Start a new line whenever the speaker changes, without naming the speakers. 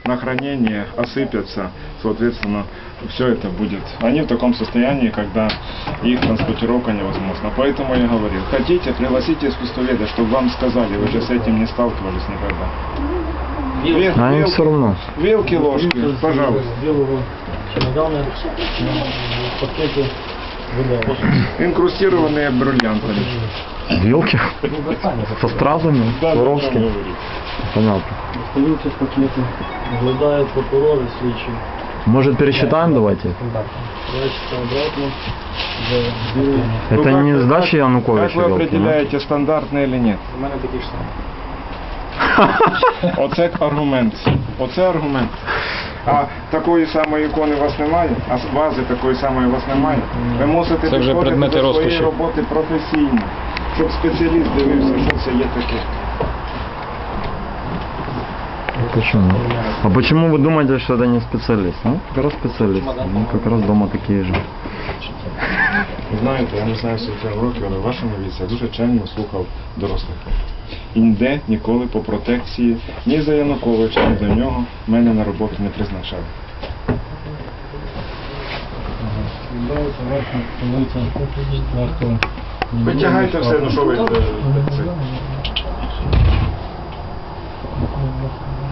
на хранение, осыпятся, соответственно, все это будет. Они в таком состоянии, когда их транспортировка невозможна. Поэтому я говорил, хотите, пригласите искусствоведа, чтобы вам сказали, вы же с этим не сталкивались никогда.
А им все равно.
Вилки, ложки, пожалуйста. Инкрустированные бриллиантами.
Вилки? Со стразами? Воровскими? Понятно.
Остаются пакеты, наблюдают прокуроры, слідчі.
Может, пересчитаем давайте?
Прячется обратно.
Это не сдача
Как
Януковича
вы
вилки, да?
определяете, стандартные или нет?
У мене такі ж самі.
Оце аргумент. Оце аргумент. А такої самої ікони у вас немає? А вази такої самої у вас немає? Ви мусите
Це вже
підходити
предмети
до своєї
розкоші.
роботи професійно, щоб спеціаліст дивився, що це є таке.
Почему? А почему вы думаете, что это не специалист? Ну, как раз специалист. Ну, как раз дома такие же.
Знаєте, я не знаю, скільки вам років, але в вашому віці я дуже чемно слухав дорослих. І ніде ніколи по протекції ні за Януковича, ні до нього мене на роботу не призначали. Витягайте все, ну що ви...